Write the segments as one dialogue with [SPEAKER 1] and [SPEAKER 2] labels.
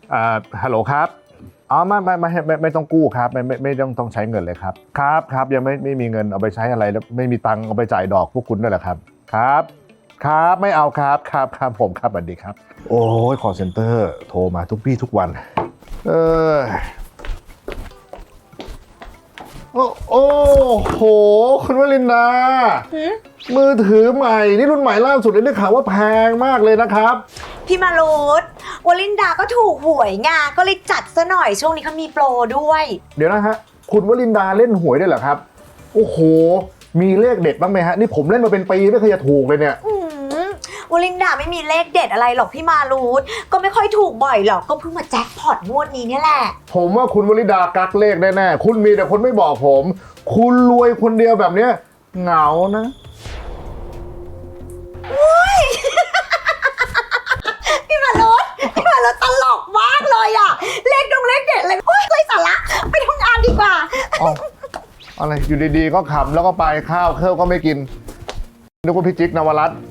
[SPEAKER 1] ฮัลโหลครับอ๋อไม่ต้องกู้ครับไม่ต้องใช้เงินเลยครับครับยังไม่มีเงินเอาไปใช้อะไรแล้วไม่มีตังค์เอาไปจ่ายดอกพวกคุณด้วยเหรอครับครับไม่เอาครับผมครับสวัสดีครับโอ้ยคอลเซ็นเตอร์โทรมาทุกวี่ทุกวันโอ้โหคุณวลินดามือถือใหม่นี่รุ่นใหม่ล่าสุดเลยได้ข่าวว่าแพงมากเลยนะครับ
[SPEAKER 2] พี่มารุตวลินดาก็ถูกหวยไงก็เลยจัดซะหน่อยช่วงนี้เขามีโปรด้วย
[SPEAKER 1] เดี๋ยวนะฮะคุณวลินดาเล่นหวยได้เหรอครับโอ้โหมีเลขเด็ดบ้างไหมฮะนี่ผมเล่นมาเป็นปีไม่เคยจะถูกเลยเนี่ยว
[SPEAKER 2] ลินดาไม่มีเลขเด็ดอะไรหรอกพี่มารุตก็ไม่ค่อยถูกบ่อยหรอกก็เพิ่งมาแจ็คพอตงวดนี้เนี่ยแหละ
[SPEAKER 1] ผมว่าคุณวลินดากักเลขแน่ๆคุณมีแต่คนไม่บอกผมคุณรวยคนเดียวแบบเนี้ยเหงานะ
[SPEAKER 2] พี่มารุตตลกมากเลยอะเลขเด็ดเลยโอ๊ยไร้สาระไปทำงานดีกว่า
[SPEAKER 1] อะไรอยู่ดีๆก็ขำแล้วก็ไปข้าวก็ไม่กินนึกว่าพี่จิ๊กนวรัตน์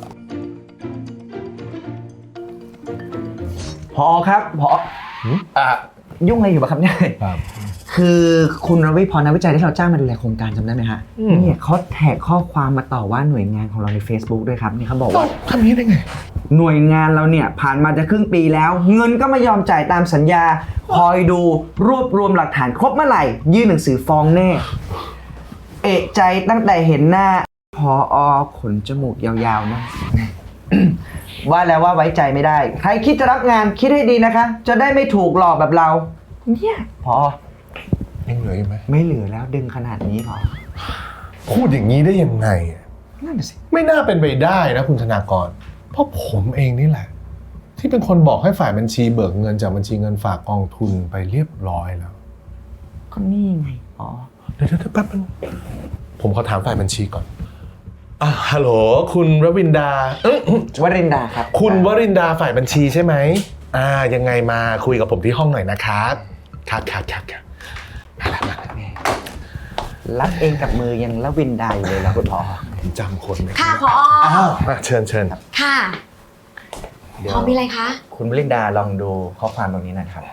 [SPEAKER 3] ผอครับผอยุ่งอะไรอยู่ปะครับเนี่ยคือคุณรวิพรนักวิจัยที่เราจ้างมาดูแลโครงการจำได้ไหมฮะเนี่ยเขาแท็กข้อความมาต่อว่าหน่วยงานของเราใน Facebook ด้วยครับนี่เขาบอกว่า
[SPEAKER 1] ทำนี้ได้ไง
[SPEAKER 3] หน่วยงานเราเนี่ยผ่านมาจะครึ่งปีแล้วเงินก็ไม่ยอมจ่ายตามสัญญาคอยดูรวบรวมหลักฐานครบเมื่อไหร่ยื่นหนังสือฟ้องแน่เอะใจตั้งแต่เห็นหน้าผอขนจมูกยาวๆนะ ว่าแล้วว่าไว้ใจไม่ได้ใครคิดจะรับงานคิดให้ดีนะคะจะได้ไม่ถูกหลอกแบบเราเนี่ยพอ
[SPEAKER 1] ยังเหลืออยู่ไหม
[SPEAKER 3] ไม่เหลือแล้วดึงขนาดนี้พอ
[SPEAKER 1] พูดอย่างนี้ได้ยังไง
[SPEAKER 3] นั่นสิ
[SPEAKER 1] ไม่น่าเป็นไปได้นะคุณธนากรเพราะผมเองนี่แหละที่เป็นคนบอกให้ฝ่ายบัญชีเบิกเงินจากบัญชีเงินฝากกองทุนไปเรียบร้อยแล้ว
[SPEAKER 3] ก็นี่ไงอ๋อ
[SPEAKER 1] เดี๋ยวแป๊บนึงผมขอถามฝ่ายบัญชีก่อนฮัลโหลคุณวรินดาว
[SPEAKER 3] รินดาครับ
[SPEAKER 1] คุณวรินดาฝ่ายบัญชีใช่ไหมยังไงมาคุยกับผมที่ห้องหน่อยนะครับครับมา
[SPEAKER 3] รับเองกับมือยังละวินดาอยู่เลยนะคุณพอ
[SPEAKER 1] จำคนไหม
[SPEAKER 2] ค่ะพอ
[SPEAKER 1] เชิญ
[SPEAKER 2] ค่ะพอมีอะไรคะ
[SPEAKER 3] คุณวรินดาลองดูข้อความตรงนี้นะครับ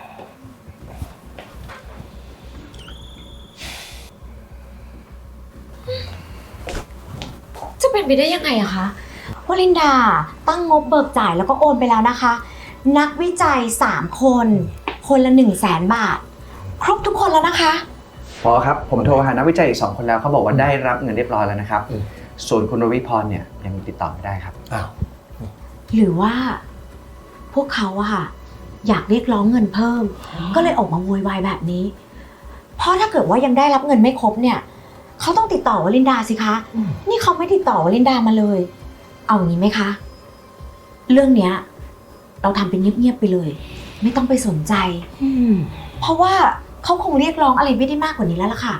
[SPEAKER 2] จะเป็นไปได้ยังไงอะคะวลินดาตั้งงบเบิกจ่ายแล้วก็โอนไปแล้วนะคะนักวิจัย3คนละ100,000 บาทครบทุกคนแล้วนะคะ
[SPEAKER 3] พอครับผมโทรหานักวิจัยอีก2 คนแล้วเขาบอกว่าได้รับเงินเรียบร้อยแล้วนะครับส่วนคุณรวิพรเนี่ยยังติดต่อไม่ได้ครับ
[SPEAKER 2] หรือว่าพวกเขาอะค่ะอยากเรียกร้องเงินเพิ่มก็เลยออกมาโวยวายแบบนี้เพราะถ้าเกิดว่ายังได้รับเงินไม่ครบเนี่ยเขาต้องติดต่อวลินดาสิคะนี่เขาไม่ติดต่อวลินดามาเลยเอาอย่างนี้ไหมคะเรื่องเนี้ยเราทำเป็นเงียบๆไปเลยไม่ต้องไปสนใจเพราะว่าเขาคงเรียกร้องอะไรไม่ได้มากกว่านี้แล้วล่ะค่ะ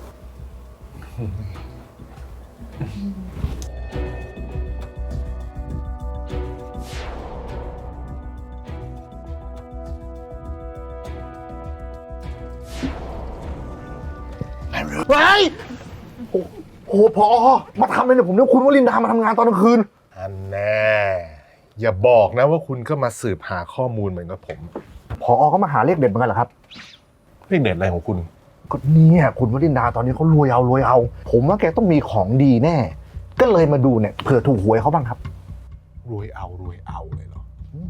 [SPEAKER 1] โอ้พอมาทำอะไรเนี่ยผมนึกคุณวลินดามาทำงานตอนกลางคืนอันแน่อย่าบอกนะว่าคุณก็มาสืบหาข้อมูลเหมือนกับผมพอก็มาหาเลขเด็ดเหมือนกันเหรอครับเลขเด็ดอะไรของคุณก็เนี่ยคุณวลินดาตอนนี้เขารวยเอาผมว่าแกต้องมีของดีแน่ก็เลยมาดูเนี่ยเผื่อถูกหวยเขาบ้างครับรวยเอาเลยเหรอ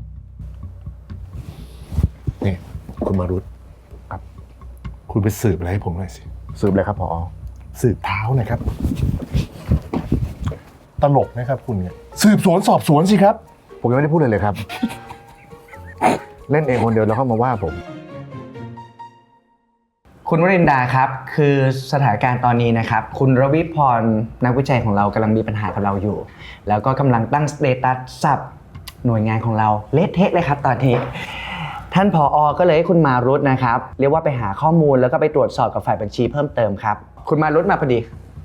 [SPEAKER 1] นี่คุณมารุตครับคุณไปสืบอะไรให้ผมหน่อยสิสืบอะไรครับพอสืบเท้าหน่อยครับตลกนะครับคุณเนี่ยสืบสวนสอบสวนสิครับผมยังไม่ได้พูดเลยครับเล่นเองคนเดียวแล้วเข้ามาว่าผม
[SPEAKER 3] คุณวรินดาครับคือสถานการณ์ตอนนี้นะครับคุณรวิพรนักวิจัยของเรากำลังมีปัญหากับเราอยู่แล้วก็กำลังตั้งสเตตัสสับหน่วยงานของเราเละเทะเลยครับตอนนี้ท่านผอ.ก็เลยให้คุณมารุตนะครับเรียกว่าไปหาข้อมูลแล้วก็ไปตรวจสอบกับฝ่ายบัญชีเพิ่มเติมครับคุณมารุตมาพอดี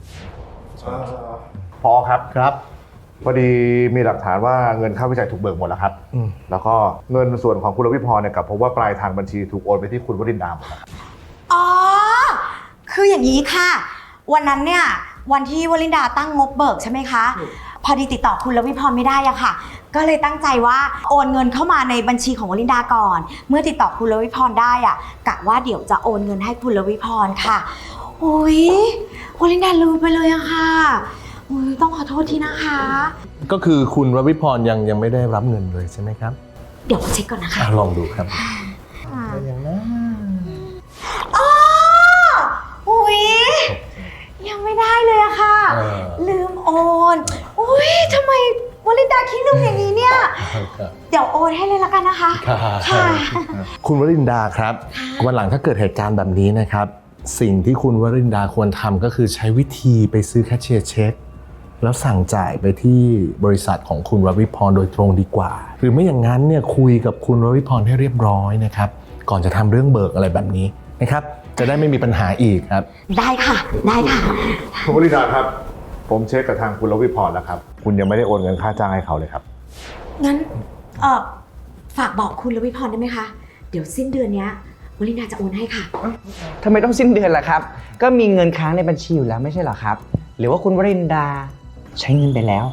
[SPEAKER 1] ผอ.ครับพอดีมีหลักฐานว่าเงินค่าวิจัยถูกเบิกหมดแล้วครับแล้วก็เงินส่วนของคุณรวิพรเนี่ยกับพบว่าปลายทางบัญชีถูกโอนไปที่คุณวรินดาหมดแล้ว
[SPEAKER 2] อ๋อคืออย่างนี้ค่ะวันนั้นเนี่ยวันที่วลินดาตั้งงบเบิกใช่ไหมคะพอดีติดต่อคุณลวิพรไม่ได้อะค่ะ ก็เลยตั้งใจว่าโอนเงินเข้ามาในบัญชีของวลินดาก่อน เมื่อติดต่อคุณลวิพรได้อะกะว่าเดี๋ยวจะโอนเงินให้คุณลวิพรค่ะโอ้ยวลินดาลืมไปเลยอะค่ะอุ๊ยต้องขอโทษทีนะคะ
[SPEAKER 1] ก็คือคุณรวิพรยังไม่ได้รับเงินเลยใช่ไหมครับ
[SPEAKER 2] เดี๋ยวเช็คก่อนนะคะ
[SPEAKER 1] ลองดูครับ
[SPEAKER 2] อย่างนะอ๋ออุ๊ยยังไม่ได้เลยอะค่ะ ลืมโอนอุ๊ยทำไมวลินดาขี้ลืมอย่างนี้เนี่ย เดี๋ยวโอนให้เลยละกันนะคะ ค่ะ
[SPEAKER 1] คุณวรินดาครับวันหลังถ้าเกิดเหตุการณ์แบบนี้นะครับ สิ่งที่คุณวรินดาควรทำก็คือใช้วิธีไปซื้อแคชเชียร์เช็คแล้วสั่งจ่ายไปที่บริษัทของคุณรวิพรโดยตรงดีกว่า หรือไม่อย่างนั้นเนี่ยคุยกับคุณรวิพรให้เรียบร้อยนะครับก่อนจะทำเรื่องเบิกอะไรแบบนี้นะครับจะได้ไม่มีปัญหาอีกครับ
[SPEAKER 2] ได้ค่ะ ได้ค่ะ
[SPEAKER 1] คุณวรินดาครับผมเช็คกับทางคุณรวิพรแล้วครับคุณยังไม่ได้โอนเงินค่าจ้างให้เขาเลยครับ
[SPEAKER 2] งั้นฝากบอกคุณลวิพรได้ไหมคะ เดี๋ยวสิ้นเดือนเนี้ยวลินดาจะโอนให้ค่ะ
[SPEAKER 3] ทำไมต้องสิ้นเดือนล่ะครับ ก็มีเงินค้างในบัญชีอยู่แล้วไม่ใช่เหรอครับ หรือว่าคุณวรินดาใช้เงินไปแล้ว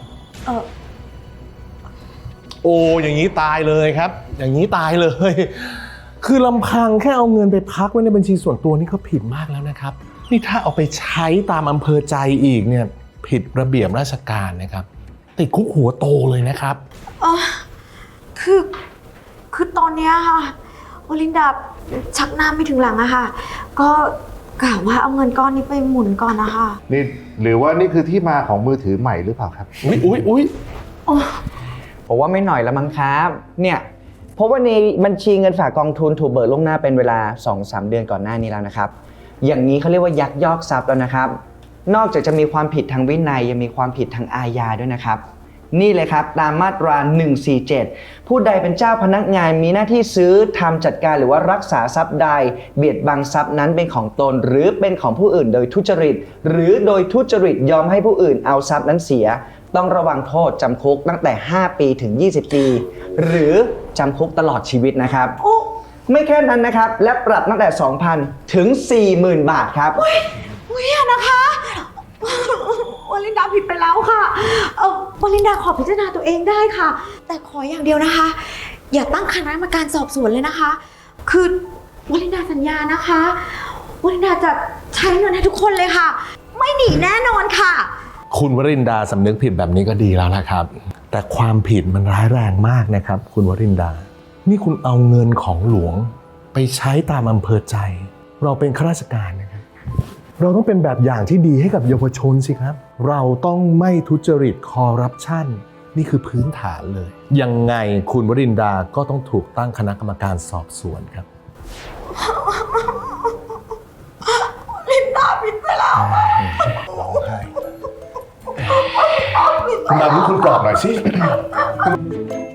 [SPEAKER 1] โอ้อย่างนี้ตายเลยครับ อย่างนี้ตายเลย คือลำพังแค่เอาเงินไปพักไว้ในบัญชีส่วนตัวนี่ก็ผิดมากแล้วนะครับนี่ถ้าเอาไปใช้ตามอำเภอใจอีกเนี่ยผิดระเบียบราชการนะครับติดคุกหัวโตเลยนะครับ
[SPEAKER 2] คือตอนเนี้ยค่ะวลินดาชักหน้าไม่ถึงหลังอะค่ะ ก็กะว่าเอาเงินก้อนนี้ไปหมุนก่อนนะคะ
[SPEAKER 1] นี่หรือว่านี่คือที่มาของมือถือใหม่หรือเปล่าครับอุ๊ย
[SPEAKER 3] ผมว่าไม่หน่อยละมั้งครับ เนี่ยเพราะว่าในบัญชีเงินฝากกองทุนถูกเบิกล่วงหน้าเป็นเวลา 2-3 เดือนก่อนหน้านี้แล้วนะครับ อย่างนี้เขาเรียกว่ายักยอกทรัพย์แล้วนะครับ นอกจากจะมีความผิดทางวินัยยังมีความผิดทางอาญาด้วยนะครับ นี่เลยครับตามมาตรา 147 ผู้ใดเป็นเจ้าพนักงานมีหน้าที่ซื้อทำจัดการหรือว่ารักษาทรัพย์ใดเบียดบังทรัพย์นั้นเป็นของตนหรือเป็นของผู้อื่นโดยทุจริตหรือโดยทุจริตยอมให้ผู้อื่นเอาทรัพย์นั้นเสียต้องระวังโทษจำคุกตั้งแต่ 5 ปีถึง 20 ปี หรือจำคุกตลอดชีวิตนะครับ ไม่แค่นั้นนะครับและปรับตั้งแต่ 2,000 ถึง 40,000 บาทครับ
[SPEAKER 2] อุ๊ยอย่านะคะวลินดาผิดไปแล้วค่ะวลินดาขอพิจารณาตัวเองได้ค่ะ แต่ขออย่างเดียวนะคะ อย่าตั้งคณะกรรมการสอบสวนเลยนะคะ คือวลินดาสัญญานะคะวลินดาจะใช้เงินให้ทุกคนเลยค่ะ ไม่หนีแน่นอนค่ะ
[SPEAKER 1] คุณวรินดาสำนึกผิดแบบนี้ก็ดีแล้วนะครับแต่ความผิดมันร้ายแรงมากนะครับคุณวรินดานี่คุณเอาเงินของหลวงไปใช้ตามอำเภอใจเราเป็นข้าราชการนะครับเราต้องเป็นแบบอย่างที่ดีให้กับเยาวชนสิครับเราต้องไม่ทุจริตคอร์รัปชันนี่คือพื้นฐานเลยยังไงคุณวรินดาก็ต้องถูกตั้งคณะกรรมการสอบสวนครับ
[SPEAKER 2] ลินดาผิดไปแล้ว
[SPEAKER 1] ร้องไห้คุณดาวนี่คุณปลอบหน่อยสิ